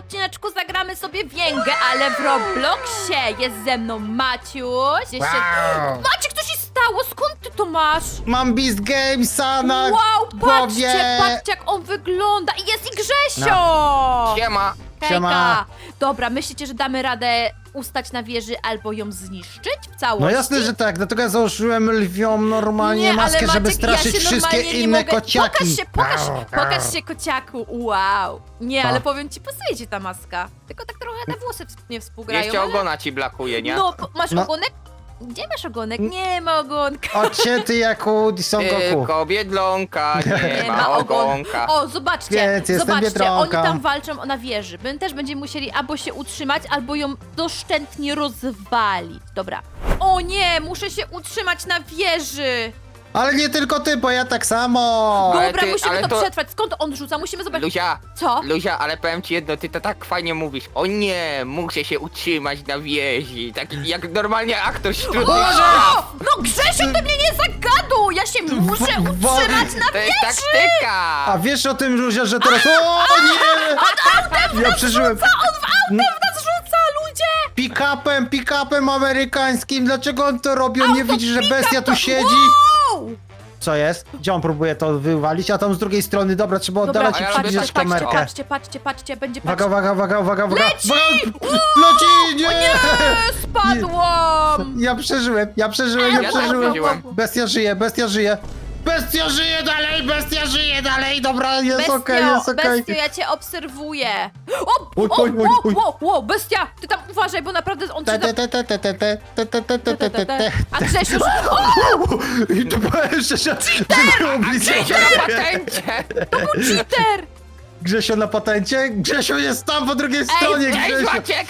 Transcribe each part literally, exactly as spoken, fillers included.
odcineczku zagramy sobie Wiengę, ale w Robloxie jest ze mną Maciuś. Jeszcze... Wow. Maciek, co się stało? Skąd ty to masz? Mam Beast Gamesa na Wow, głowie. patrzcie, patrzcie jak on wygląda. I jest i Grzesio! No. Siema. Hejka. Siema. Dobra, myślicie, że damy radę ustać na wieży albo ją zniszczyć w całości? No jasne, że tak, dlatego ja założyłem lwią normalnie Nie, maskę, ale żeby Maciek, straszyć ja się wszystkie normalnie nie inne mogę... kociaki. Pokaż się, pokaż, Au, au. pokaż się kociaku, wow. Nie, Pa. ale powiem ci, pasuje ci ta maska. Tylko tak trochę te włosy ws- nie współgrają. Jeszcze ale... ogona ci brakuje, nie? No, po- masz No. ogonek? Gdzie masz ogonek? Nie ma ogonka. Odcięty jak u Son Goku. Tylko biedlonka, nie, ma ogonka. O, zobaczcie, Więc jestem zobaczcie, Biedronką. oni tam walczą na wieży. My też będziemy musieli albo się utrzymać, albo ją doszczętnie rozwalić. Dobra. O nie, muszę się utrzymać na wieży. Ale nie tylko ty, bo ja tak samo. Ale Dobra, ty- musimy ale to, to- przetrwać. Skąd on rzuca? Musimy zobaczyć. Luzia, Co? Luzia, ale powiem ci jedno, ty to tak fajnie mówisz. O nie, muszę się utrzymać na wieży. Tak jak normalnie aktor z trudnych O! spraw. No Grzesiu, ty mnie nie zagaduj! Ja się muszę W- w- utrzymać na To jest wieży! taktyka. A wiesz o tym, Ruzia, że teraz... O nie! Ja przeżyłem. On w autem w nas rzuca, ludzie! Pick-upem, pick-upem amerykańskim. Dlaczego on to robi? On nie Auto widzi, że pick-up bestia tu to- siedzi? Wow! Co jest? Gdzie on próbuje to wywalić? A tam z drugiej strony, dobra, trzeba Dobra, oddalać i a ja patrzcie, robię przybliżać tak, patrzcie, kamerkę. patrzcie, patrzcie, patrzcie, będzie Uwaga, patrzcie. uwaga, uwaga, uwaga, uwaga. Leci! Uwaga! Leci! Nie! Nie, spadłam! Ja przeżyłem, ja przeżyłem, ja Ja też przeżyłem. przeżyłem. Bestia żyje, bestia żyje. Bestia żyje dalej, bestia żyje dalej. Dobra, jest Bestio, okej, jest okej. bestio, ja cię obserwuję. O, Oj, o, oj, oj, o, oj. o, o, bestia, ty tam uważaj, bo naprawdę on cię... Te, te, te, te, te, te, te, te, te, te, te, te, te. A Grzesiu... O, I to powiem szczerze, że było blisko. Gdzieś na patencie. cheater! Grzesio na patencie? Grzesio jest tam po drugiej stronie, Cześć Grzesio. Maciek.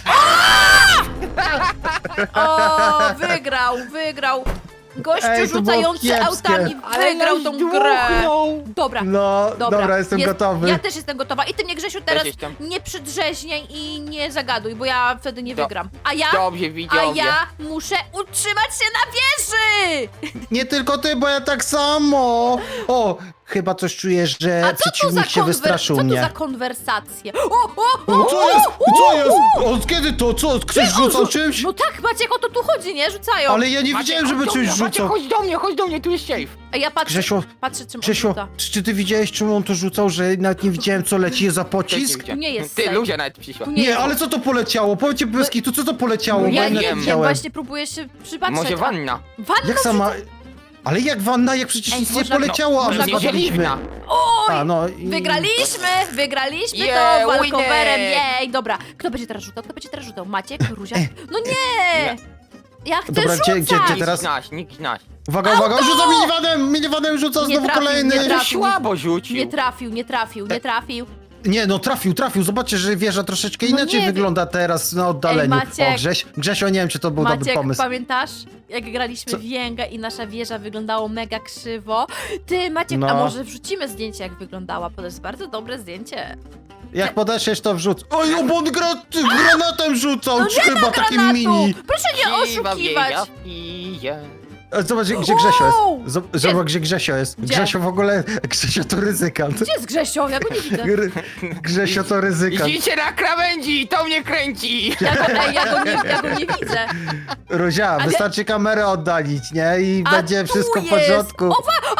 O, wygrał, wygrał. Gościu Ej, to było rzucający kiepskie. autami Ale wygrał nas tą grę. dmuchnął. Dobra. No, Dobra, dobra, jestem jest, gotowy. Ja też jestem gotowa. I ty mnie, Grzesiu, teraz jestem. nie przydrzeźniaj i nie zagaduj, bo ja wtedy nie Do- wygram. A ja, Dobrze, a widzowie. ja muszę utrzymać się na wieży! Nie tylko ty, bo ja tak samo. O, chyba coś czujesz, że A co to za, przeciwnik się konwer- wystraszył co to mnie. za konwersacje? O, o, O, o, co jest? o, Co o, jest? o. Od kiedy to? Co? Ktoś Ty, on rzucał rzu- czymś? No tak, Maciek, o to tu chodzi, nie? Rzucają. Ale ja nie Maciek, widziałem, żeby chodź do coś mnie, Maciek, rzucał. chodź do mnie, chodź do mnie, tu jest safe. A ja patrzę, Grzesiu, patrzę czym on Grzesiu, rzuca. czy, czy ty widziałeś, czym on to rzucał, że nawet nie widziałem, co leci za pocisk? Tu nie jest Ty, safe. Luzia nawet przyszła. Tu Nie, jest. ale co to poleciało? Powiedzcie bez kitu, co to poleciało? No Bo ja nawet nie wiem, wiem, widziałem. właśnie próbuję się przypatrzeć. Może a- wanna. Wanna Jak sama... Ale jak wanna, jak przecież Ej, nic nie można- poleciało, no, a można my go- widzieliśmy. Oj! A, no i... Wygraliśmy! Wygraliśmy Yeah, to walkowerem, winner! jej! Dobra, kto będzie teraz rzucał? Kto będzie teraz rzucał? Maciek? Ruzia? Ej. No nie! Ja chcę Dobra, gdzie- rzucać! gdzie- gdzie Nikt teraz? z nas, nikt z nas. Uwaga, uwaga, rzuca minivanem! Minivanem rzuca Nie znowu trafił, kolejny! nie Ty trafił. słabo rzucił. Nie trafił, nie trafił, nie trafił. Nie, no trafił, trafił. Zobaczcie, że wieża troszeczkę No inaczej nie, wygląda teraz na oddaleniu. Ej, Maciek. O, Grześ, Grzesio, nie wiem, czy to był dobry Maciek, pomysł. pamiętasz? Jak graliśmy Co? w Jęgę i nasza wieża wyglądało mega krzywo. Ty, Maciek, No. a może wrzucimy zdjęcie, jak wyglądała? Bo to jest bardzo dobre zdjęcie. Jak podeszłeś, to wrzuc. Oj, o, bo on gra, ty, granatem rzucał, No nie chyba ma takim granatu! mini. Proszę nie Siwa oszukiwać! wieja pije. E, Zobacz, gdzie gdzie Grzesio Wow! jest. Zob- Zobacz, gdzie Grzesio jest. Gdzie? Grzesio w ogóle, Grzesio to ryzykant. Gdzie jest Grzesio? Ja go nie widzę. Gr Grzesio to ryzykant. Idźcie na krawędzi, to mnie kręci. Ja go, ej, ja go, nie, ja go nie widzę. Ruzia, Ale- wystarczy kamerę oddalić, nie? I A będzie tu wszystko w jest. porządku. O, wa-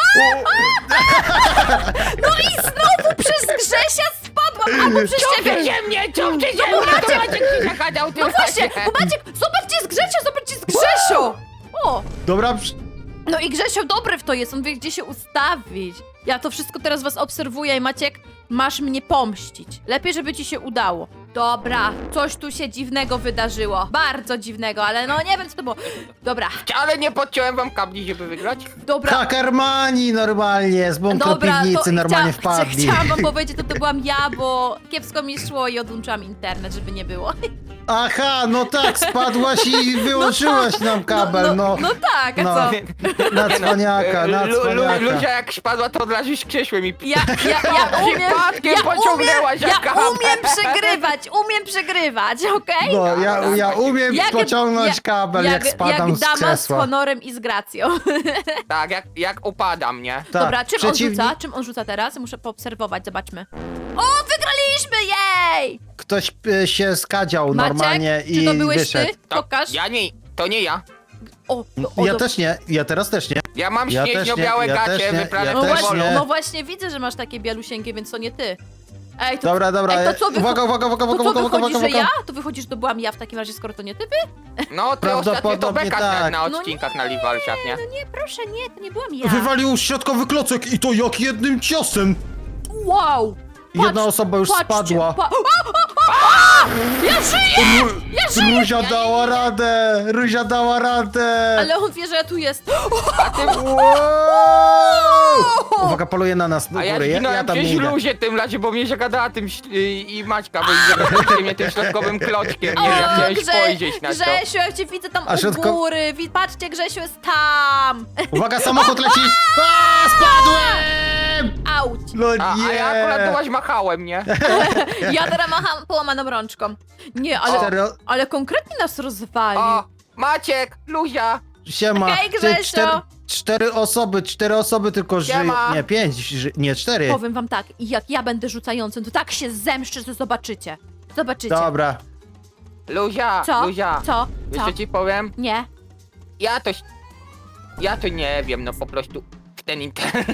No i znowu przez Grzesia spadłam, albo przez ciebie. Ciągnie mnie, ciągnie mnie, to Maciek się zachadzał tym No właśnie, bo Maciek, zobacz gdzie jest Grzesio, zobacz gdzie jest Grzesio. O, Dobra, przy- no i Grzesio dobry w to jest, on wie gdzie się ustawić. Ja to wszystko teraz was obserwuję i Maciek, masz mnie pomścić. Lepiej, żeby ci się udało. Dobra, coś tu się dziwnego wydarzyło. Bardzo dziwnego, ale no nie wiem co to było. Dobra, Ale nie podciąłem wam kabli, żeby wygrać. dobra. Hakermani normalnie, z bunkru Dobra, piwnicy to normalnie chcia- wpadli. Chciałam wam powiedzieć, to to byłam ja, bo kiepsko mi szło i odłączyłam internet, żeby nie było. Aha, no tak, spadłaś i wyłączyłaś nam kabel, no. No tak, a No. co? Na cwaniaka, na Lu- Lu- cwaniaka. Luzia jak spadła, to od razu krzesłem i Ja, ja, ja umiem, Przypadkiem ja pociągnęłaś umiem, za ja kabel. umiem przegrywać, umiem przegrywać, okej? No, ja, ja umiem Jak- pociągnąć jak- kabel, jak, spadam jak z dama z krzesła. honorem i z gracją. Tak, jak, jak upadam, nie? Tak, Dobra, czym przeciwnik- on rzuca? Czym on rzuca teraz? Muszę poobserwować, zobaczmy. O, wygraliśmy! Zabiliśmy jej! Ktoś e, się skadział Maciek, normalnie czy i to byłeś wyszedł. ty? To, Pokaż. ja nie, to nie ja. O, o, Ja do- też nie, ja teraz też nie. Ja mam Ja też śnieżno-białe nie, ja gacie, też nie, wyprane ja No w też właśnie, polu. nie. no właśnie widzę, że masz takie bialusieńkie, więc to nie ty. Ej, to, Dobra, dobra. Ej, to co, wycho- uwaga, uwaga, uwaga, to uwaga, co uwaga, uwaga, wychodzi, że uwaga. ja? To wychodzi, że to byłam ja w takim razie, skoro to nie ty wy? No, ty ostatnio to Prawdopodobnie beka tak. tak. na No odcinkach na Livalsiach, nie? No nie, proszę, nie, to nie byłam ja. Wywalił środkowy klocek i to jak jednym ciosem. Wow! Jedna osoba już patrzcie, spadła. Pa- o, o, o, o! Ja żyję! Ru- Ja żyję! Ruzia dała radę! Ruzia dała radę! Ale on wie, że ja tu jest. Wow! Uwaga, poluje na nas do A ja góry. Ja, ja zginąłem tam nie przez idę. luzie tym razie, bo mnie się gadała tym ś- y, i Maćka, bo zagadaliście mnie tym środkowym kloczkiem, nie? Ja chciałem spojrzeć na to. Grzesiu, ja cię widzę tam A u środko- góry. Wi- Patrzcie, Grzesiu jest tam. Uwaga, samochód leci! A, spadłem! Auć. No A, a ja akurat nie! dołaś machałem, nie? Ja teraz macham połamaną rączką. Nie, ale, Cztery... ale konkretnie nas rozwalił. O, Maciek, Luzia, Siema. Hej, Ty, Grzesio. cztery, cztery osoby, cztery osoby tylko żyją. Siema. Nie, pięć, ży... nie, cztery. Powiem wam tak, jak ja będę rzucającym, to tak się zemszczę, że zobaczycie. Zobaczycie. Dobra. Luzia, Co? Luzia. Co? Wiesz Co? co ci powiem? Nie. Ja to... Ja to nie wiem, no po prostu w ten internet.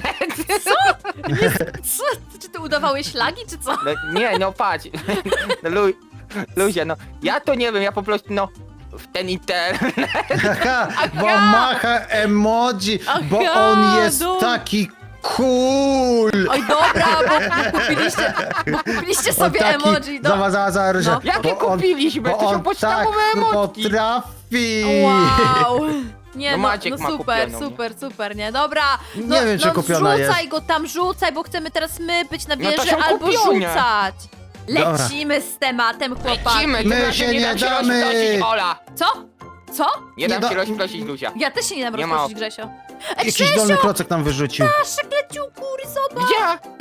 Co? Czy ty udawałeś ślagi, czy co? No, nie, no patrz. No, Lu, Luzia, no ja to nie wiem, ja po prostu no w ten internet. Aha, bo Aha. macha emoji, bo Aha, on jest no. taki cool. Oj, dobra, bo kupiliście, bo kupiliście On sobie taki, emoji. Do... Zobacz, zobacz, zobacz, No. że- Jakie bo on- kupiliśmy? Bo To są on tak podstawowe emotki. potrafi. Wow. Nie, No no, Maciek no ma super, kupioną, nie? super, super, nie? Dobra, no, Nie wiem, czy no kupiona rzucaj jest. go tam, rzucaj, bo chcemy teraz my być na No to wieży są albo kupione. rzucać. Dobra. Lecimy z tematem, chłopaki. Lecimy, My tym razem się nie nie dam się damy. rozprosić, Ola. Co? Co? Nie Nie dam da- się rozprosić, Luzia. Ja też się nie dam Nie ma rozproszyć, opcji. Grzesio. Ej, Jakiś dolny Grzesio, klocek nam wyrzucił. nasze kleciuku, zobacz. Gdzie?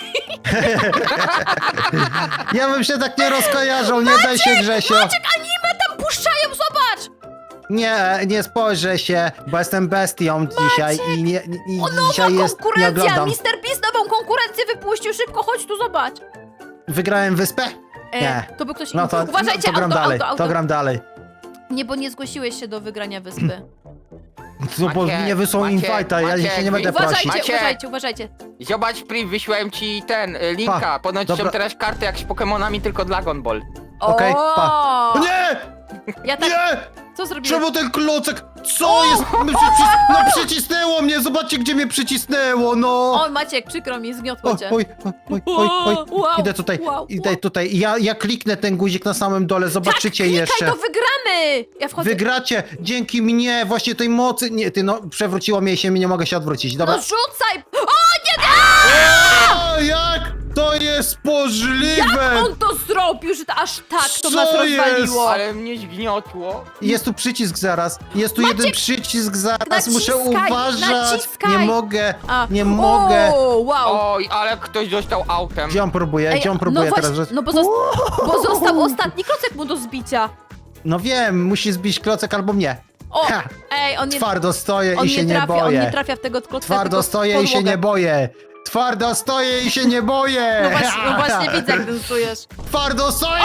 Ja bym się tak nie rozkojarzał, nie daj się, Grzesio. Maciek, anime tam puszczają, zobacz. Nie, nie spojrzę się, bo jestem bestią dzisiaj i, nie, i O, nowa dzisiaj jest, nie konkurencja, oglądam. mister Beast nową konkurencję wypuścił, szybko, chodź tu, zobacz. Wygrałem wyspę? E, Nie. To by ktoś No inny. to, Uważajcie, to gram auto, dalej, auto, auto. to gram dalej. Nie, bo nie zgłosiłeś się do wygrania wyspy. No bo Maciek, nie wysłał Maciek, invite'a, ja Maciek, się nie będę Uważajcie, prosić. Uważajcie, Maciek. uważajcie, uważajcie. Zobacz, Pri, wyślałem ci ten, y, linka. Pa, Ponoć dobra. są teraz karty jak z Pokemonami, tylko Dragon Ball. Okej, O! pa. Nie! Ja tak, Nie! co zrobiłeś? Czemu ten klocek? Co jest? No, przycis no przycisnęło mnie, zobaczcie gdzie mnie przycisnęło, no! O, Maciek, przykro mi, zgniotło O, cię. oj, oj, oj, oj, oj. Wow, Idę tutaj, wow, idę wow. tutaj. Ja, ja kliknę ten guzik na samym dole, zobaczycie tak, jeszcze. klikaj, to wygramy! Ja wchodzę. Wygracie dzięki mnie, właśnie tej mocy. Nie, ty no, przewróciło mnie się, nie mogę się odwrócić. Dobra. No rzucaj! O, nie, nie! O, jak to jest możliwe? On to zrobił, że to aż tak to Co nas rozwaliło. Ale mnie zgniotło. Jest tu przycisk zaraz. Jest tu jeden przycisk zaraz. Muszę naciskaj, uważać. naciskaj. Nie mogę. A, Nie mogę. O, wow. Oj, ale ktoś dostał autem. Gdzie on próbuje? Gdzie on próbuje no teraz? właśnie, Że... no bo, zosta bo został ostatni klocek mu do zbicia. No wiem, musi zbić klocek albo mnie. O, Ha, ej, on nie, Twardo stoję on i się nie nie trafia, on boję. nie trafia w tego klocka, Twardo tylko w stoję i się podłogę. nie boję. Twardo stoję i się nie boję. No właśnie, no właśnie widzę, jak dansujesz. Twardo stoję!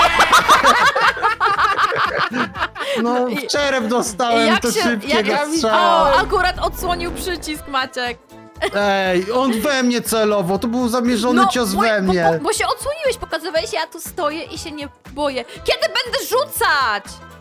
No, w czerep dostałem Jak to się- szybkiego jak- strzała. O, akurat odsłonił przycisk, Maciek. Ej, on we mnie celowo, to był zamierzony cios bo, we bo, mnie. bo, bo się odsłoniłeś, pokazywałeś, ja tu stoję i się nie boję. Kiedy będę rzucać?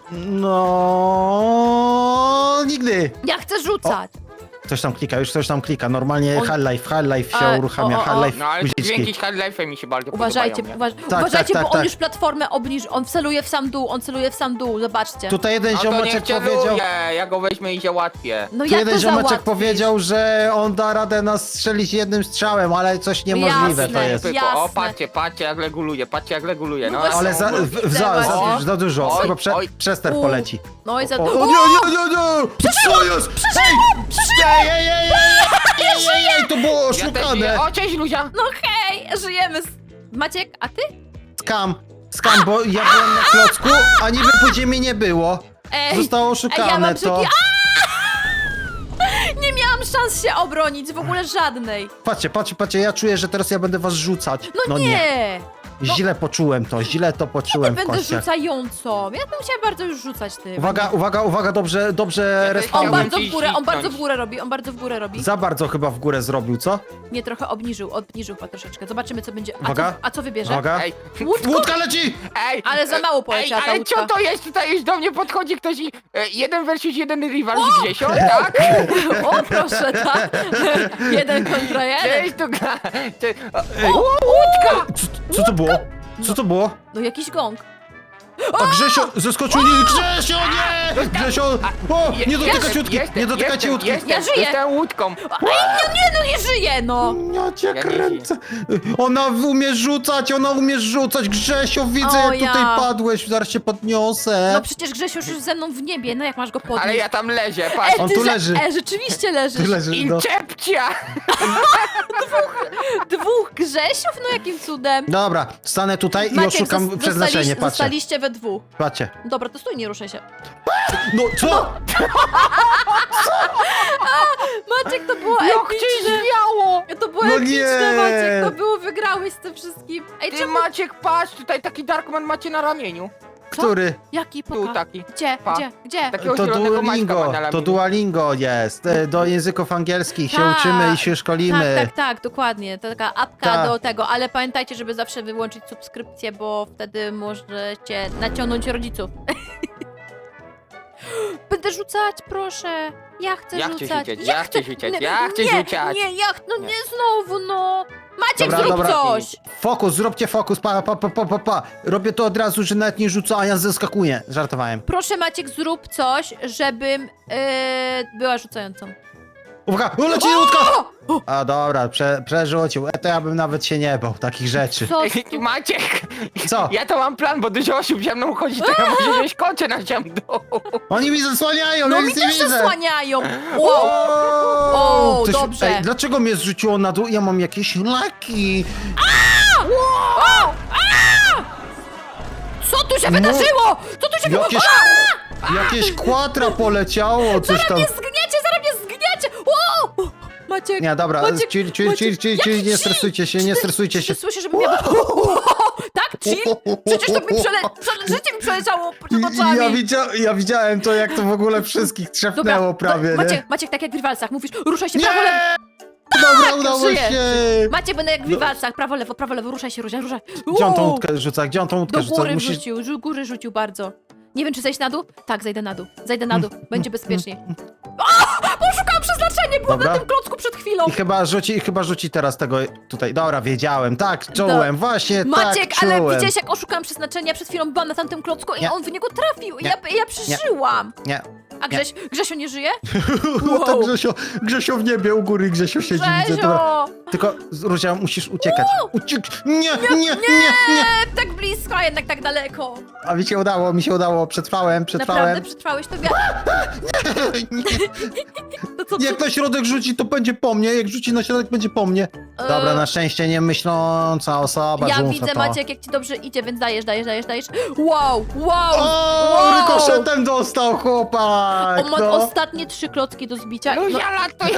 No, nigdy. Ja chcę rzucać. Ktoś tam klika, już ktoś tam klika. Normalnie On- Half-Life, Half-Life się A, uruchamia, o, o, o. Half-Life No ale te guziczki. dźwięki z Half-Life'em mi się bardzo Uważajcie, podobają. uważ Tak, uważajcie, tak, bo tak, on tak. już platformę obniżył, on celuje w sam dół, on celuje w sam dół, zobaczcie. Tutaj jeden No to niech ziomeczek cię powiedział... luje, ja go weźmę i załatwię. No Tu jak jeden to ziomeczek załatwisz? powiedział, że on da radę nas strzelić jednym strzałem, ale coś niemożliwe Jasne. to jest. Tylko, Jasne. o, patrzcie, patrzcie jak reguluje, patrzcie jak reguluje, no. No właśnie. Ale za, No, w, w, za, widzę za, właśnie. za dużo, Oj, chyba prze, oj. przester U. poleci. No i za... O, o, O, nie, nie, nie, nie! Co jest? Ej! Ej, ej, ej, ej, ej, ej, ej, to było Ja też oszukane! nie. O, cześć Luzia! No hej, żyjemy. z- Maciek, a ty? Skam, skam, bo ja byłem na klocku, a niby później mnie nie było. Ej, Zostało ej, ja oszukane mam to. brzydki... Nie miałam szans się obronić, w ogóle żadnej. Patrzcie, patrzcie, patrzcie, ja czuję, że teraz ja będę was rzucać. No, nie. źle poczułem to, źle to Nie poczułem w będę kościach. rzucającą. Ja bym chciała bardzo już rzucać ty. Uwaga, uwaga, uwaga, dobrze, dobrze Ja też On respawnuj. chciałbym bardzo ci w górę, on bardzo w zniknąć. górę robi, on bardzo w górę robi. Za bardzo chyba w górę zrobił, co? Nie, trochę obniżył, obniżył chyba troszeczkę. Zobaczymy co będzie. A Uwaga. co, a co wybierze? Uwaga. Ej, Łódką? Łódka leci! ej! Ale za mało Ej, poleciała ta ale łódka. co to jest? Tutaj już do mnie podchodzi ktoś i... E, jeden versus jeden rywal z Grzesio, tak? O, proszę, tak? Jeden kontra jeden. Cześć, tu gra... Cze- o, o, łódka! Co, co to było? Co to było? No jakiś gong. A Grzesio zeskoczył, nie, Grzesio, nie! Grzesio, o, nie dotykać Jestem, łódki, jestem, nie dotykajcie jestem, łódki. Jestem, Ja żyję. Jestem łódką. Ej, no nie, no nie żyje, no. Ja cię Ja nie kręcę. Ona umie rzucać, ona umie rzucać. Grzesio, widzę O, jak ja. tutaj padłeś, zaraz cię podniosę. No przecież Grzesiu już ze mną w niebie, no jak masz go podnieść? Ale ja tam leżę, patrz. Ej, On ty tu że- leży. E, rzeczywiście leżysz. Ty leżysz, no. Incepcja! Dwóch Grzesiów? No jakim cudem. Dobra, stanę tutaj i oszukam zos- przeznaczenie, zostaliś- patrzcie. Zostaliście we dwóch. Patrzcie. Dobra, to stój, nie ruszaj się. No, co? Maciek, to było Jak cię epicne. zwiało! To było No epicne, nie. Maciek, to było, wygrałeś z tym wszystkim. Ej, Ty czemu? Maciek, patrz, tutaj taki Darkman macie na ramieniu. Który? Jaki Tu poka? taki. Gdzie, Pa. gdzie, gdzie? Takiego To zielonego Maćka ma Duolingo, na ramieniu. to Duolingo jest. E, Do języków angielskich się Tak. uczymy i się szkolimy. Tak, tak, tak, dokładnie. To taka apka Tak. do tego, ale pamiętajcie, żeby zawsze wyłączyć subskrypcję, bo wtedy możecie naciągnąć rodziców. Będę rzucać, proszę. Ja chcę Ja chcę rzucać. rzucać, ja chcę rzucać, Nie, ja chcę nie, rzucać. Nie, ja ch- no nie znowu, no. Maciek, Dobra, zrób dobra. coś. Fokus, zróbcie fokus, pa, pa, pa, pa, pa, pa. Robię to od razu, że nawet nie rzucę, a ja zeskakuję. Żartowałem. Proszę, Maciek, zrób coś, żebym yy, była rzucającą. Uwaga, o, leci łódka! A dobra, prze, przerzucił. E, to ja bym nawet się nie bał takich rzeczy. Co? Ej, Maciek! Co? Ja to mam plan, bo dużo osób ze mną chodzi, to ja muszę wziąć kocie na ziemi dół. Oni mi zasłaniają, No ja mi nic nie też widzę. zasłaniają. Wow. O, O, Ktoś- dobrze. Ej, dlaczego mnie zrzuciło na dół? Ja mam jakieś laki. O! A! Co tu się wydarzyło? Co tu się No. Jakieś, wydarzyło? jakieś kwatra poleciało, coś tam. Nie zgniecie, zaraz mnie zgniecie! O! Maciek, Nie, dobra, Maciek, chill, chill, Maciek, chill, chill, chill, jaki nie chill? stresujcie się, nie Czy ty- stresujcie czy się. ty słyszysz, żeby mnie... Tak, chill? Przecież to mi przele... przele... życie mi przeleciało przed oczami. Ja, widzia ja widziałem to, jak to w ogóle wszystkich trzepnęło prawie, to, nie? Maciek, Maciek, tak jak w rywalcach, mówisz, ruszaj się prawo, lewo. Nie! Dobra, udało żyję. się! Maciek, będę jak w rywalcach, prawo, lewo, prawo, lewo, ruszaj się, ruszaj, ruszaj. Gdzie on tą Uuu. łódkę rzuca? Gdzie on tą łódkę Do rzuca? góry Musisz... rzucił, do góry rzucił bardzo. Nie wiem, czy zejść na dół? Tak, zejdę na dół. Zejdę na dół, będzie bezpiecznie. O! Poszukałam przeznaczenie, było Dobra. na tym klocku przed chwilą. I chyba rzuci, i chyba rzuci teraz tego tutaj. Dobra, wiedziałem, tak, czułem, właśnie Maciek, tak ale czułem. widziałeś, jak oszukałam przeznaczenie, przed chwilą byłam na tamtym klocku i Nie. on w niego trafił. I Nie. ja, ja przeżyłam. Nie. A Grześ, Grzesio nie żyje? Wow. Tak Grzesio, Grzesio w niebie u góry, Grzesio siedzi, widzę. Dobra. Grzesio! Tylko, Ruzia, musisz uciekać. Uciek... Nie, nie, nie, nie, nie. E, tak blisko, a jednak tak daleko. A mi się udało, mi się udało, przetrwałem, przetrwałem. Naprawdę przetrwałeś to? To co, Jak na środek rzuci, to będzie po mnie, jak rzuci na środek, będzie po mnie. Dobra, na szczęście nie myśląca osoba Ja rzuca widzę, to. Maciek, jak ci dobrze idzie, więc dajesz, dajesz, dajesz, dajesz. Wow, wow, O, wow. rykoszetem dostał chłopak! On ma no. ostatnie trzy klocki do zbicia. No No, ja latuję!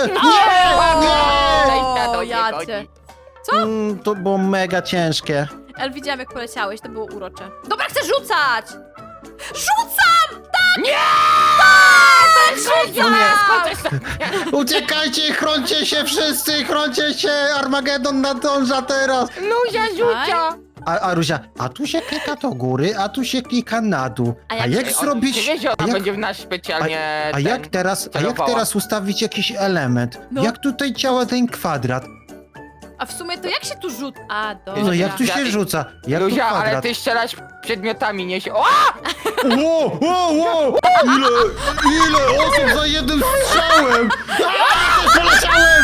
Nie! O, jacie. Co? Mm, to było mega ciężkie. Ale widziałam, jak poleciałeś, to było urocze. Dobra, chcę rzucać! Rzucam! Tak! Nie! Tak, rzucam! Uciekajcie, chroncie się wszyscy, chroncie się! Armagedon nadąża teraz! Luzia rzucia! A, a Ruzia, a tu się klika do góry, a tu się klika na dół. A A jak jak, się- zrobić... Ty wiesz, że a ona jak, będzie w nas specjalnie a ten, jak teraz, a jak celowała. teraz ustawić jakiś element? No. Jak tutaj działa ten kwadrat? A w sumie to jak się tu rzut? A, dobra. No jak tu Ja- się rzuca? Jak Luzia, tu ale kwadrat? ty strzelasz przedmiotami, nie się... O! Wow, wow, wow! Ile, ile osób za jednym strzałem! A, też poleciałem!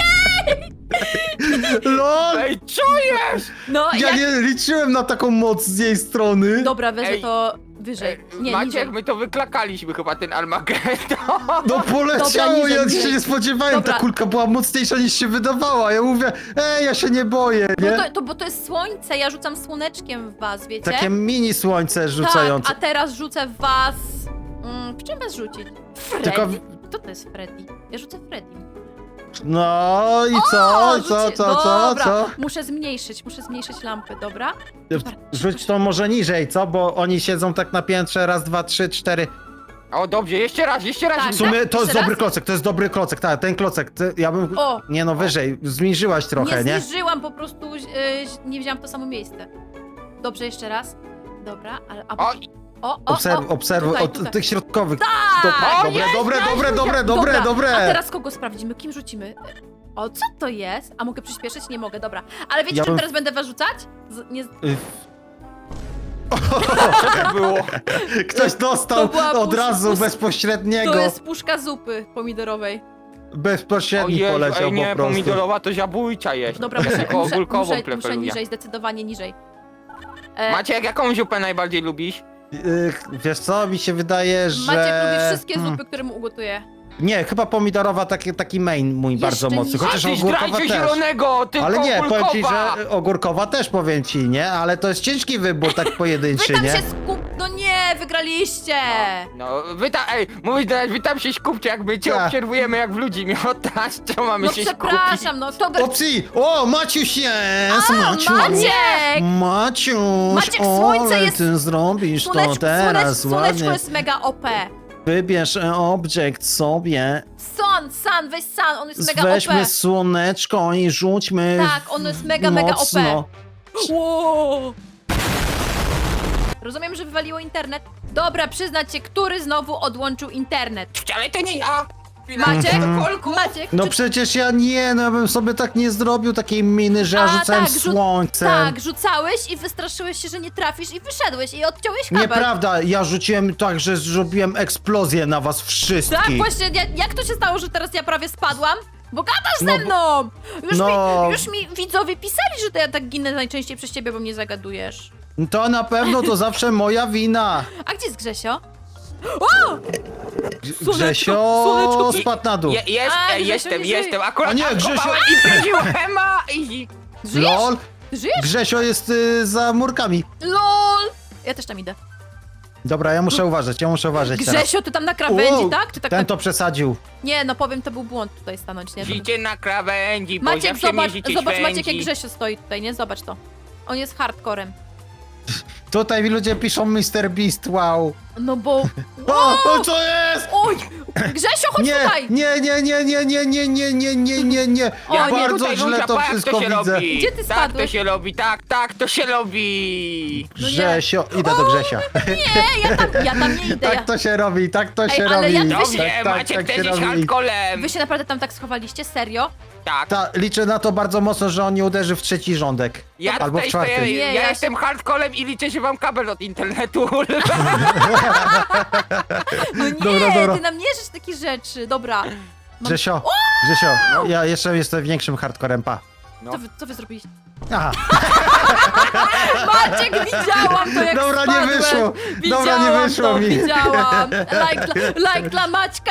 LOL! Ej, co jest? No, Ja jak... nie liczyłem na taką moc z jej strony. Dobra, wezmę Ej. to wyżej. Nie, Maciek, niżej. my to wyklakaliśmy chyba, ten Armagedon. No poleciało, Dobra, ja niżej, się nie spodziewałem, Dobra. ta kulka była mocniejsza niż się wydawała. Ja mówię, ej, ja się nie boję, No nie? to, to, bo to jest słońce, ja rzucam słoneczkiem w was, wiecie? Takie mini słońce rzucające. Tak, a teraz rzucę w was... Mm, w czym was rzucić? Freddy. Tylko- Kto to jest Freddy? Ja rzucę Freddy. No i co? O, co, rzuci- co, co, dobra. co? Muszę zmniejszyć, muszę zmniejszyć lampy, dobra? Rzuć to może niżej, co? Bo oni siedzą tak na piętrze, raz, dwa, trzy, cztery. O, dobrze, jeszcze raz, jeszcze raz. Tak. W sumie to jest Jeszcze dobry raz? klocek, to jest dobry klocek, tak, ten klocek, ty, ja bym... O. Nie no, wyżej, zniżyłaś trochę, nie nie? zniżyłam, po prostu yy, nie wzięłam to samo miejsce. Dobrze, jeszcze raz. Dobra, ale... A, O, o, o, Obserw, o, obserwuj, tutaj, od tutaj. tych środkowych. Tak! Do- O, Dobre, jest, dobre, jest, dobre, jest. dobre, dobre, Dobra, dobre. A teraz kogo sprawdzimy? Kim rzucimy? O, co to jest? A mogę przyspieszyć? Nie mogę, dobra. Ale wiecie, Ja czym bym- teraz będę was rzucać? Z, nie... Y, co to było? Ktoś dostał To była od pusz- razu pusz- bezpośredniego. To jest puszka zupy pomidorowej. Bezpośredni Ojej, poleciał ej, nie, po prostu. pomidorowa to zabójcza jest. Dobra, ja muszę, tylko muszę, ogórkową muszę, muszę preferuję. niżej, zdecydowanie niżej. E, Maciek, jaką zupę najbardziej lubisz? Y, Wiesz co, mi się wydaje, że... Maciek lubi wszystkie Hmm. zupy, które mu ugotuję. Nie, chyba pomidorowa taki, taki main mój Jeszcze bardzo mocny, niżej. chociaż A ty ogórkowa zdrajcy też. zielonego, tylko Ale nie, powiem ci, ogórkowa. że ogórkowa też powiem ci, nie? Ale to jest ciężki wybór, tak Wy pojedynczy, tam nie? się skup... No nie, wygraliście! No, wy tam, ej, mówisz teraz, wy tam się skupcie, jak my cię Tak. obserwujemy jak w ludzi miotasz, co mamy No się skupić? przepraszam, no to... Opcji! O, Maciuś jest! A, Maciu! Maciek! Maciuś! Maciek, słońce ale jest- ty zrobisz to Słoneczko, teraz słonecz, słoneczko ładnie. jest mega O P. Wybierz e, obiekt sobie, Sun, Sun, weź Sun, on jest mega weźmy O P. słoneczko i rzućmy Tak, on jest mega, mega O P. mocno. Wow. Rozumiem, że wywaliło internet. Dobra, przyznać się, który znowu odłączył internet. Ale to nie ja! Chwila, Maciek? Kolku. Maciek, No czy... przecież ja nie, no ja bym sobie tak nie zrobił takiej miny, że ja A, rzucałem tak, rzu- słońcem. Tak, rzucałeś i wystraszyłeś się, że nie trafisz i wyszedłeś i odciąłeś kabel. Nieprawda, ja rzuciłem tak, że zrobiłem eksplozję na was wszystkich. Tak, właśnie, ja, jak to się stało, że teraz ja prawie spadłam? Bo gadasz No ze bo- mną! Już, no. mi, już mi widzowie pisali, że to ja tak ginę najczęściej przez ciebie, bo mnie zagadujesz. To na pewno to zawsze moja wina. A gdzie jest Grzesio? O! Grzesio słoneczko. spadł na dół. Je, jest, A, ej, Grzesio jestem, nie żyje. jestem, akurat A nie, atakowałem Grzesio- i przeżyłem, a i... Żyjesz? Lol, Ty żyjesz? Grzesio jest y, za murkami. LOL! Ja też tam idę. Dobra, ja muszę uważać, ja muszę uważać teraz. Grzesio, ty tam na krawędzi, Wow, tak? Ty tak Ten na... to przesadził. Nie, no powiem, to był błąd tutaj stanąć, nie? To... Życie na krawędzi, bo Maciek, zawsze zobacz, mierzycie zobacz Maciek, jak święci. Grzesio stoi tutaj, nie? Zobacz to. On jest hardcorem. Tutaj mi ludzie piszą mister Beast, wow. No bo... O, o co jest? Oj! Grzesio, chodź Nie, tutaj! nie, nie, nie, nie, nie, nie, nie, nie, nie, nie, nie. O, Ja nie. Bardzo tutaj źle rzucam, to pa, jak wszystko to się widzę. robi. Gdzie ty Tak to spadłeś? się robi, tak, tak to się robi. No nie. Grzesio, idę do Grzesia. Nie, ja tam, ja tam nie idę. Ja... Tak to się robi, tak to się ale robi. ja- Dobrze, tak, tak, Maciek tak też się jest robi. hardcolem. Wy się naprawdę tam tak schowaliście? Serio? Tak. Ta, liczę na to bardzo mocno, że on nie uderzy w trzeci rządek. Ja Albo w tutaj czwarty. stoję, Nie, ja, ja jestem hardcolem i liczę, że mam kabel od internetu. No nie, Dobra, dobra. ty nam nie życz takich rzeczy. Dobra. Mam... Grzesio, Grzesio, ja jeszcze jestem większym hardcorem, pa. No. Co, wy, co wy zrobiliście? Aha, Maciek, widziałam to, jak dobra, nie spadłem. wyszło. Widziałam Dobra, nie wyszło to, mi. widziałam. Like dla, like dla Maćka.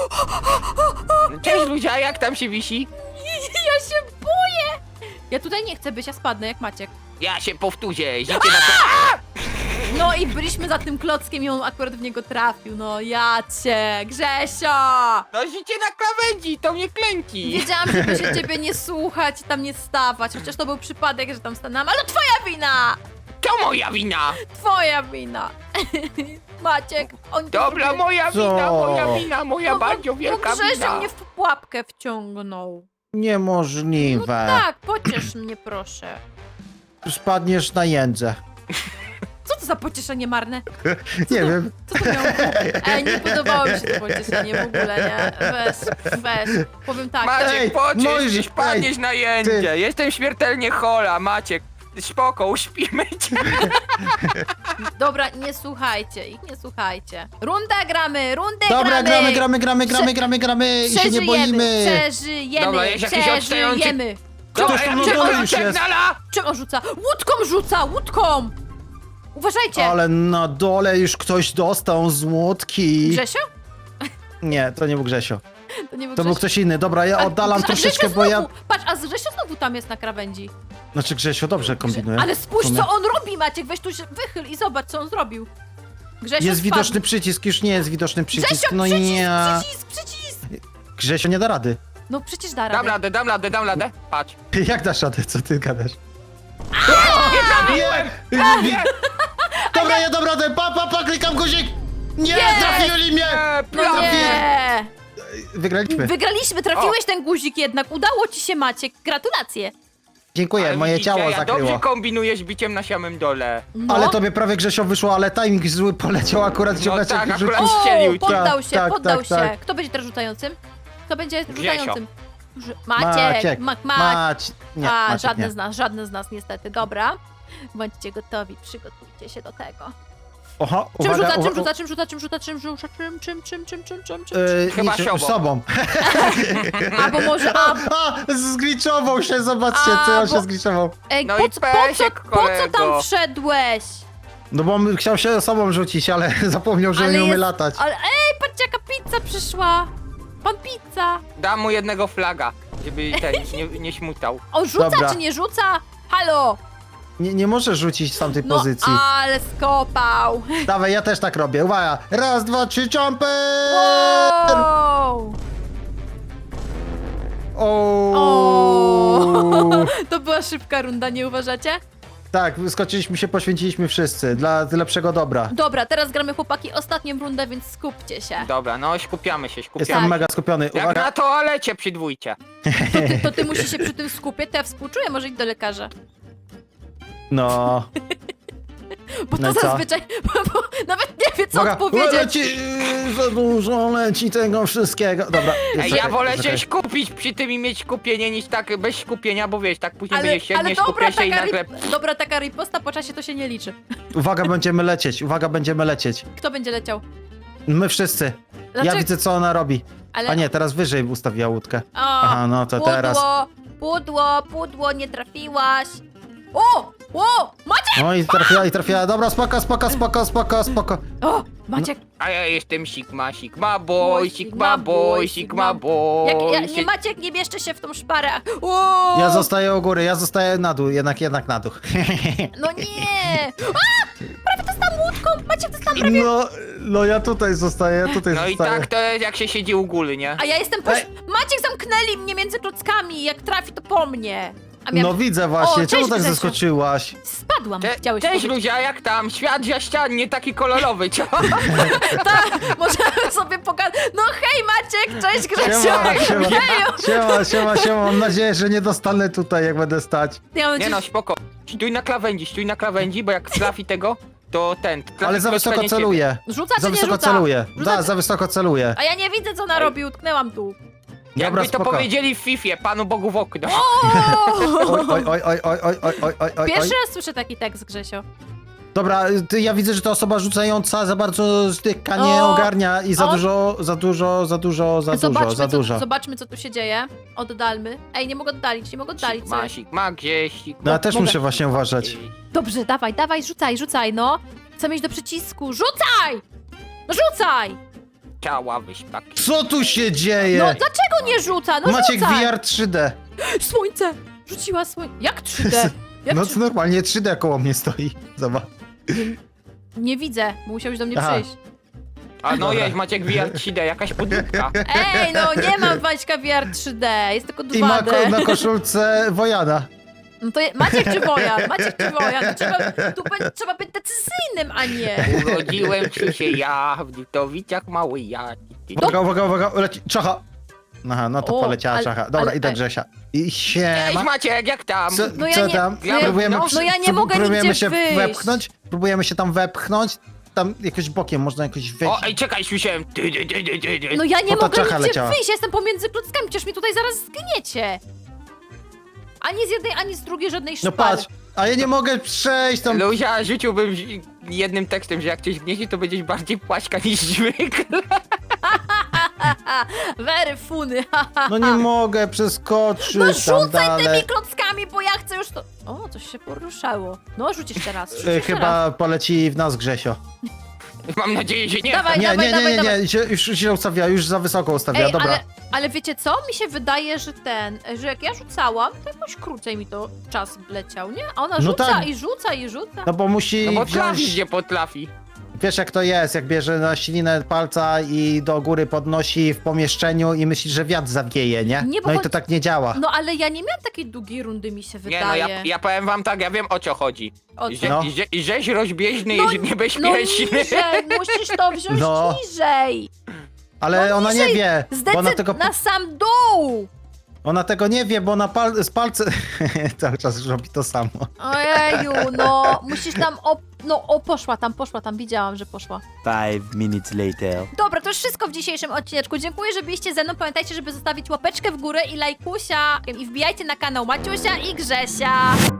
Cześć Luzia, jak tam się wisi? Ja się boję. Ja tutaj nie chcę być, ja spadnę jak Maciek. Ja się powtórzę, życie na No i byliśmy za tym klockiem i on akurat w niego trafił. No ja cię, Grzesio. No życie na krawędzi, to mnie klęci. Wiedziałam, żeby się ciebie nie słuchać i tam nie stawać. Chociaż to był przypadek, że tam stanęłam. Ale to twoja wina! To moja wina. Twoja wina. Maciek, oni to Dobra, zrobili. moja Co? wina, moja wina, moja No, bardzo bo- wielka bo Grzesio wina. mnie w pułapkę wciągnął. Niemożliwe. Tak, pociesz mnie proszę. Spadniesz na jędzę. Co to za pocieszenie marne? Nie wiem. Co to miało? Ej, nie podobało mi się to pocieszenie w ogóle, nie? Weź, weź. Powiem tak. Maciek, Ej, pociesz możesz- się, spadniesz ej, na jędzie. Jestem śmiertelnie chola, Maciek. Spoko, uśpimy cię. Dobra, nie słuchajcie ich, nie słuchajcie. Runda gramy, rundę Dobra, gramy. gramy, gramy, gramy, gramy, gramy, gramy i się nie boimy. Przeżyjemy, Dobra, jest jakiś odstający- przeżyjemy. Ktoś tam na dole już jest. Przegnala! Czym on rzuca? Łódką rzuca, łódką! Uważajcie! Ale na dole już ktoś dostał z łódki. Grzesio? Nie, to nie był Grzesio. To nie był To był Grzesio. ktoś inny. Dobra, ja A oddalam Grze- troszeczkę, Grzesio bo ja... znowu, patrz, a Grzesio znowu tam jest na krawędzi. Znaczy Grzesio dobrze kombinuje. Ale spójrz, W sumie. co on robi, Maciek, weź tu się wychyl i zobacz, co on zrobił. Grzesio Jest spadł. widoczny przycisk, już nie jest widoczny przycisk. Grzesio, No przycisk, nie. przycisk, przycisk! Grzesio nie da rady. No przecież da Dam radę. radę, dam radę, dam radę. Patrz. Jak dasz radę, co ty gadasz? Nie trafiłem! Nie! Dobra, ja dam radę, pa, pa, pa, klikam guzik! Nie, Nie! trafili mnie! E, No prawie. nie! Wygraliśmy. Wygraliśmy, trafiłeś ten guzik jednak. Udało ci się, Maciek. Gratulacje. Dziękuję, Ale moje widzicie, ciało ja zakryło. dobrze kombinujesz biciem na samym dole. No. Ale tobie prawie Grzesio wyszło, ale timing zły poleciał akurat No ziomeczek tak, i akurat rzucił. O, strzelił. poddał Tak, się, tak, poddał tak, się. tak. Kto będzie teraz rzucającym? Kto będzie Grzesio. rzucającym? Ż- Maciek, Mak, Mak. Mać. Nie, A, Maciek żadne nie. z nas, żadne z nas niestety. Dobra. Bądźcie gotowi, przygotujcie się do tego. Oho, Czym uwaga, rzuca, czym uwaga, rzuca, czym rzuca, czym rzuca, czym rzuca, czym, czym, czym, czym, czym, czym, czym? Yy, Chyba niczym- siobą. sobą. Albo może, a, A, zgliczował się, zobaczcie, A, co on bo- się zgliczował. ej, No po, i co, po, co, Pesiek, po co tam kolego. wszedłeś? No bo on chciał się sobą rzucić, ale zapomniał, że nie umie jest- latać. Ale, ej, patrzcie, jaka pizza przyszła. Pan pizza. Dam mu jednego flaga, żeby ten nie, nie śmutał. On rzuca Dobra. czy nie rzuca? Halo. Nie, nie może rzucić z tamtej No, pozycji. ale skopał. Dawaj, ja też tak robię, uwaga. Raz, dwa, trzy, jumper! Wow. O. O. To była szybka runda, nie uważacie? Tak, wyskoczyliśmy się, poświęciliśmy wszyscy, dla lepszego dobra. Dobra, teraz gramy chłopaki ostatnią rundę, więc skupcie się. Dobra, no skupiamy się, skupiamy. Jestem Tak. mega skupiony, Jak uwaga. na toalecie przy dwójcie. To ty, to ty musisz się przy tym skupiać, to ja współczuję, może iść do lekarza. No. Bo No to i co? zazwyczaj, bo, bo nawet nie wie co Uwaga, odpowiedzieć. leci, yy, za dużo leci tego wszystkiego. Dobra. Ej, czekaj, ja wolę czekaj. się skupić przy tym i mieć skupienie niż tak bez skupienia, bo wiesz, tak później Ale, będziesz się ale nie dobra, skupiać się i taka, nagle... ri- dobra taka riposta po czasie to się nie liczy. Uwaga, będziemy lecieć, uwaga, będziemy lecieć. Kto będzie leciał? My wszyscy. Dlaczego? Ja widzę, co ona robi. Ale... A nie, teraz wyżej ustawiła łódkę. O, Aha, no to pudło, teraz. Pudło, pudło, nie trafiłaś. O! O! Maciek! No i trafiła, i trafiła. Dobra, spoko, spoko, spoko, spoko, spoko. O! Maciek! A ja jestem Sigma, Sigma Boy, boy, Sigma Sigma boy, boy, Sigma Sigma- boy. Jak, ja, nie Sie- Maciek, nie bierzcie się w tą szparę. O! Ja zostaję u góry, ja zostaję na dół, jednak, jednak na dół. No nie! A! Prawie to stałam łódką! Maciek, to stałam prawie... No, no ja tutaj zostaję, ja tutaj No i zostaję. tak to jest jak się siedzi u góry, nie? A ja jestem po... Ej. Maciek, zamknęli mnie między klockami. Jak trafi, to po mnie. A No widzę właśnie, O, czemu cześć, tak Grzesiu. zeskoczyłaś? Spadłam, Cze- chciałeś Cześć powiedzieć. Luzia, jak tam? Świat ścian, nie taki kolorowy, co? Tak, możemy sobie pokazać. No hej Maciek, cześć Grzesiu! Siema, siema, Heju! siema, siema, siema, mam nadzieję, że nie dostanę tutaj, jak będę stać. Ja mam Nie no, nadzieję, spoko. Stój na krawędzi, stój na krawędzi, bo jak trafi tego, to ten... trafi Ale za klocka, wysoko nie ciebie. celuję. Rzuca czy Za nie wysoko rzuca? celuję. Rzuca Da, czy... za wysoko celuję. A ja nie widzę co ona robi, utknęłam tu. Dobra, Jakby to spoko. powiedzieli w Fifie, Panu Bogu w okno. Oj, oj, oj, oj, oj, oj, oj, oj, oj, oj. Pierwszy raz słyszę taki tekst, Grzesio. Dobra, ty, ja widzę, że to osoba rzucająca za bardzo styka, nie O, ogarnia i za o. dużo, za dużo, za dużo, za dużo, zobaczmy, za co, dużo. zobaczmy, co tu się dzieje. Oddalmy. Ej, nie mogę oddalić, nie mogę oddalić. Co Sigma, jest? Sigma, gdzieś, Sigma. No ja też mogę. muszę właśnie uważać. Dobrze, dawaj, dawaj, rzucaj, rzucaj, no. Chcę mieć do przycisku. Rzucaj! No rzucaj! Ciała wyśpaki. Co tu się dzieje? No dlaczego nie rzuca? No Maciek rzucaj! V R trzy D. Słońce! Rzuciła słońce. Jak trzy D? Jak No trzy... to normalnie trzy D koło mnie stoi. Zobacz. Nie widzę, musiałeś do mnie Aha. przyjść. A no Dobra. jeźdź, Maciek V R trzy D, jakaś podróbka. Ej, no nie mam Waćka V R trzy D, jest tylko I ma dwa ko- D. na koszulce Wojana. No to je... Maciek czy Wojan? Maciek czy Wojan? To trzeba, tu be... trzeba być decyzyjnym, a nie. Urodziłem się ja w Dutowicach mały ja. Uwaga, uwaga, uwaga, leci. Czacha. Aha, no to O, poleciała ale- czacha. Dobra, ale- idę ale- Grzesia. I Cześć siema. Maciek, jak tam? Co, No ja co nie- tam? no ja- próbujemy, no- przy- no ja nie prób- mogę próbujemy nigdzie się wyjść. wepchnąć. Próbujemy się tam wepchnąć. Tam jakoś bokiem można jakoś wejść. O, ej, czekaj, słyszałem. Ty, ty, ty, ty, ty, ty. No ja nie Bo ta mogę czacha nigdzie leciała. wyjść, ja jestem pomiędzy klockami, przecież mi tutaj zaraz zgniecie. Ani z jednej, ani z drugiej żadnej No szpary. patrz, a ja nie mogę przejść tam. Luzia, rzuciłbym zi- jednym tekstem, że jak cię zgniecie, to będziesz bardziej płaśka niż zwykle. Wery funy, No nie mogę przeskoczyć No tam rzucaj dalej. tymi klockami, bo ja chcę już to... O, coś się poruszało. No, rzuć jeszcze raz, rzuć E, jeszcze raz. Chyba poleci w nas Grzesio. Mam nadzieję, że nie. Dawaj, Nie, dawaj, nie, nie, dawaj, nie, dawaj. nie, się- już się ustawia, już za wysoko ustawia, Ej, dobra. ale, ale wiecie co? Mi się wydaje, że ten, że jak ja rzucałam, to jakoś krócej mi to czas leciał, nie? A ona No rzuca tak. i rzuca i rzuca. No bo musi No bo wziąć... trafi, gdzie potrafi. wiesz jak to jest, jak bierze na ślinę palca i do góry podnosi w pomieszczeniu i myśli, że wiatr zawieje, nie? Nie, bo No i chodzi- to tak nie działa. No ale ja nie miałam takiej długiej rundy, mi się Nie wydaje. no, ja, ja powiem wam tak, ja wiem o co chodzi. O co? Że, No. że, żeś rozbieżny No, i no niebezpieczny. niżej, musisz to wziąć No. niżej. Ale no ona nie niżej, wie, bo ona Zdecyd tego, na sam dół. ona tego nie wie, bo ona pal, z palce cały czas robi to samo. Ojeju, no, musisz tam, o, no, o, poszła tam, poszła tam, widziałam, że poszła. Five minutes later. Dobra, to już wszystko w dzisiejszym odcineczku. Dziękuję, że byliście ze mną. Pamiętajcie, żeby zostawić łapeczkę w górę i lajkusia. I wbijajcie na kanał Maciusia i Grzesia.